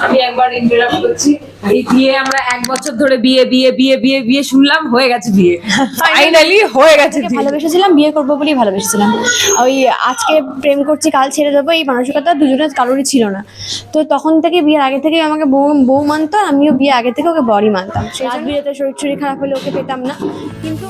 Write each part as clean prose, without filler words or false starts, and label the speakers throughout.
Speaker 1: আমি একবার ইন্টারাপ্ট করছি। এই বিয়ে আমরা 1 বছর ধরে বিয়ে বিয়ে বিয়ে বিয়ে বিয়ে শুনলাম, হয়ে গেছে বিয়ে, ফাইনালি হয়ে গেছে বিয়ে।
Speaker 2: ভালোবেসেছিলাম, বিয়ে করবো বলেই ভালোবেসেছিলাম। ওই আজকে প্রেম করছি কাল ছেড়ে দেবো এই মানসিকতা দুজনের কারোরই ছিল না। তো তখন থেকে বিয়ের আগে থেকে আমাকে বউ মানতো, আমিও বিয়ে আগে থেকে ওকে বরই মানতাম। রাত বিয়েতে শরীর খারাপ হলে ওকে পেতাম না। কিন্তু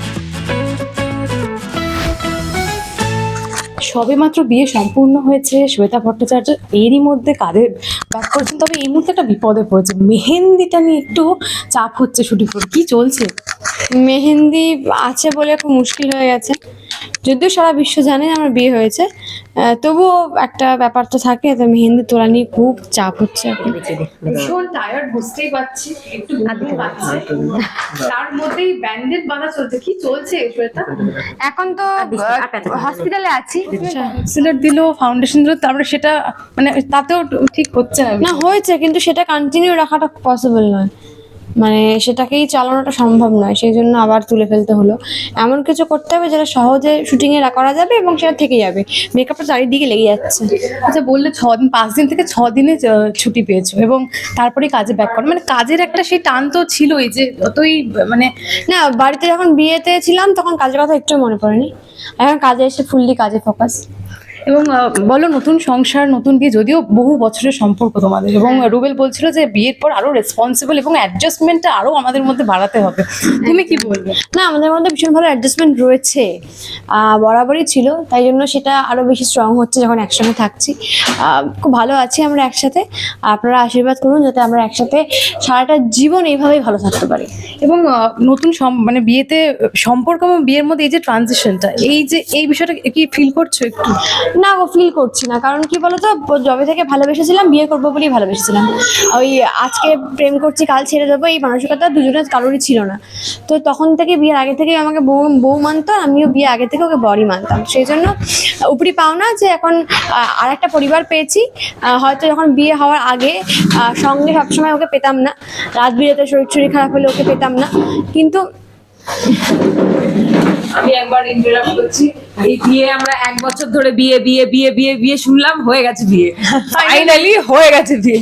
Speaker 3: সবেমাত্র বিয়ে সম্পূর্ণ হয়েছে শ্বেতা ভট্টাচার্য, এরই মধ্যে কাঁধে ব্যাক করেছেন। তবে এই মুহূর্তে একটা বিপদে পড়েছে, মেহেন্দিটা নিয়ে একটু চাপ হচ্ছে শুটিং করে, কি চলছে?
Speaker 2: মেহেন্দি আছে বলে খুব মুশকিল হয়ে গেছে, যদিও সারা বিশ্ব জানে আমার বিয়ে হয়েছে, তবুও একটা ব্যাপার তো থাকে। তো মেহেন্দি তোলা নিয়ে খুব চাপ হচ্ছে এখন।
Speaker 3: ভীষণ টায়ার্ড, বুঝতেই পারছি, একটু ঘুম পাচ্ছে, তার মধ্যেই ব্যান্ডেড বাঁধা চলছে। কি চলছে শ্বেতা?
Speaker 2: এখন তো হসপিটালে আছি।
Speaker 3: কনসিলার দিল, ফাউন্ডেশন দিল, তারপরে সেটা মানে তাতেও ঠিক হচ্ছে না।
Speaker 2: না হয়েছে, কিন্তু সেটা কন্টিনিউ রাখাটা পসিবল নয়, মানে সেটাকেই চালানোটা সম্ভব নয়, সেই জন্য আবার তুলে ফেলতে হলো। এমন কিছু করতে হবে যেটা সহজে শুটিংয়ে করা যাবে এবং সেটা থেকে যাবে। মেকআপটা চারিদিকে লেগে যাচ্ছে।
Speaker 3: আচ্ছা, বললে 5 দিন থেকে 6 দিনে ছুটি পেয়েছো এবং তারপরে কাজে ব্যাক করো, মানে কাজের একটা সেই টান তো ছিলই, যে অতই মানে
Speaker 2: না, বাড়িতে যখন বিয়েতে ছিলাম তখন কাজের কথা একটু মনে পড়েনি, এখন কাজে এসে ফুললি কাজে ফোকাস।
Speaker 3: এবং বলো, নতুন সংসার, নতুন বিয়ে, যদিও বহু বছরের সম্পর্ক তোমাদের, এবং রুবেল বলছিল যে বিয়ের পর আরো রেসপন্সিবল এবং অ্যাডজাস্টমেন্টটা আরো আমাদের মধ্যে বাড়াতে হবে, তুমি কি বলবে?
Speaker 2: না, আমাদের মধ্যে ভীষণ ভালো অ্যাডজাস্টমেন্ট রয়েছে, বরাবরই ছিল, তাই জন্য সেটা আরো বেশি স্ট্রং হচ্ছে যখন একসঙ্গে থাকছি। খুব ভালো আছি আমরা একসাথে। আপনারা আশীর্বাদ করুন যাতে আমরা একসাথে সারাটা জীবন এইভাবেই ভালো থাকতে পারি।
Speaker 3: এবং নতুন মানে বিয়েতে সম্পর্ক এবং বিয়ের মধ্যে এই যে ট্রানজিশনটা, এই বিষয়টা কি ফিল করছো একটু?
Speaker 2: না গো, ফিল করছি না, কারণ কি বলতো, যবে থেকে ভালোবেসেছিলাম বিয়ে করবো বলেই ভালোবেসেছিলাম। ওই আজকে প্রেম করছি কাল ছেড়ে দেবো এই মানসিকতা দুজনের কারোরই ছিল না। তো তখন থেকে বিয়ের আগে থেকে আমাকে বউ মানতো, আমিও বিয়ে আগে থেকে ওকে বরই মানতাম। সেই জন্য উপরি পাওনা যে এখন আর একটা পরিবার পেয়েছি। হয়তো যখন বিয়ে হওয়ার আগে সঙ্গে সবসময় ওকে পেতাম না, রাত বিয়েতে শরীর খারাপ হলে ওকে পেতাম না, কিন্তু
Speaker 1: আমি একবার ইন্টারাপ্ট করছি। এই বিয়ে আমরা 1 বছর ধরে বিয়ে বিয়ে বিয়ে বিয়ে বিয়ে শুনলাম, হয়ে গেছে বিয়ে, ফাইনালি হয়ে গেছে বিয়ে।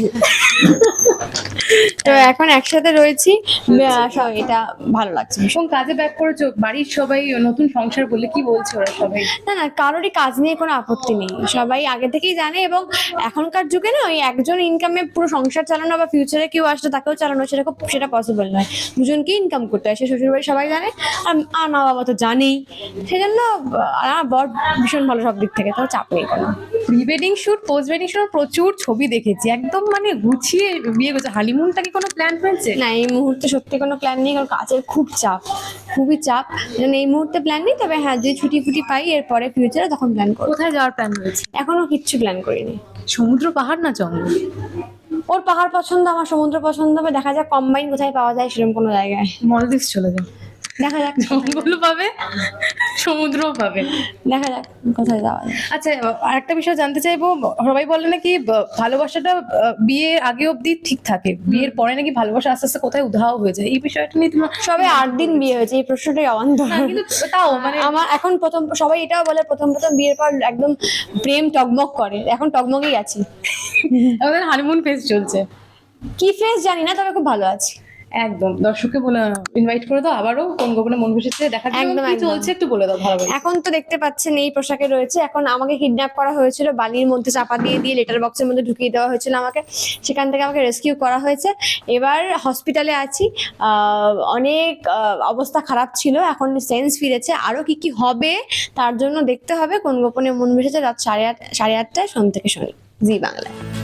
Speaker 2: তো এখন একসাথে রয়েছি, এটা ভালো লাগছে।
Speaker 3: এবং কাজে ব্যাক করেছো, বাড়ির সবাই নতুন সংসার বলে কি বলছে ওরা সবাই?
Speaker 2: না, কারোরই কাজ নিয়ে কোনো আপত্তি নেই, সবাই আগে থেকেই জানে। এবং এখনকার যুগে না ওই একজন ইনকামে পুরো সংসার চালানো বা ফিউচারে কেউ আসলে তাকেও চালানো সেটা পসিবল নয়। দুজনকেই ইনকাম করতে হয়, সে শ্বশুরবাড়ি সবাই জানে, আর মা বাবা তো জানেই। সেজন্য আমার বর ভীষণ ভালো সব দিক থেকে, তাও চাপ নেই কোনো।
Speaker 3: Pre wedding shoot, post wedding shoot প্রচুর ছবি দেখেছি, একদম মানে গুছিয়ে বিয়ে করছে। হানিমুনটা কি কোনো প্ল্যান হয়েছে?
Speaker 2: না, এই মুহূর্তে সত্যি কোনো প্ল্যান নেই, কারণ কাজের খুব চাপ, খুবই চাপ, এই মুহূর্তে প্ল্যান নেই। তবে হ্যাঁ, যদি ছুটি পাই এরপরে ফিউচারে তখন প্ল্যান করবো।
Speaker 3: কোথায় যাওয়ার প্ল্যান হয়েছে?
Speaker 2: এখনো কিচ্ছু প্ল্যান করিনি।
Speaker 3: সমুদ্র, পাহাড় না জঙ্গল?
Speaker 2: ওর পাহাড় পছন্দ, আমার সমুদ্র পছন্দ, হবে দেখা যাক কম্বাইন কোথায় পাওয়া যায় সেরকম কোনো জায়গায়।
Speaker 3: মলদ্বীপ চলে যাও,
Speaker 2: দেখা যাক,
Speaker 3: জঙ্গলও পাবে সমুদ্রও পাবে,
Speaker 2: দেখা যাক কোথায় যাওয়া যায়।
Speaker 3: আচ্ছা, আরেকটা বিষয় জানতে চাইবো, সবাই বলে নাকি ভালোবাসাটা বিয়ের আগে অবধি ঠিক থাকে, বিয়ের পরে নাকি ভালোবাসা আস্তে আস্তে কোথায় উধাও হয়ে যায়, এই বিষয়টা নিয়ে তোমার?
Speaker 2: সবে 8 দিন বিয়ে হয়েছে, এই প্রশ্নটাই অবান্তর।
Speaker 3: না, কিন্তু তাও মানে
Speaker 2: আমার এখন সবাই এটাও বলে প্রথম বিয়ের পর একদম প্রেম টগমগ করে, এখন টগমগেই আছি।
Speaker 3: আমাদের হানিমুন ফেজ চলছে।
Speaker 2: কি ফেস জানি না, তবে খুব ভালো আছি।
Speaker 3: একদম, দর্শককে বলে ইনভাইট করে দাও আবারও, কোন গোপনে মন বসেছে দেখার জন্য,
Speaker 2: একদম,
Speaker 3: কি
Speaker 2: একদম।
Speaker 3: চলছে একটু বলে দাও ভালো করে।
Speaker 2: এখন তো দেখতে পাচ্ছেন এই পোশাকে রয়েছে। এখন আমাকে কিডন্যাপ করা হয়েছিল, বালির মধ্যে চাপা দিয়ে লেটার বক্সের মধ্যে ঢুকিয়ে দেওয়া হয়েছিল আমাকে, সেখান থেকে আমাকে রেস্কিউ করা হয়েছে। এবার হসপিটালে আছি, অনেক অবস্থা খারাপ ছিল, এখন সেন্স ফিরেছে। আরো কি হবে তার জন্য দেখতে হবে কোন গোপনে মন বসেছে, রাত 8:30টায় সোম থেকে শনি, জি বাংলায়।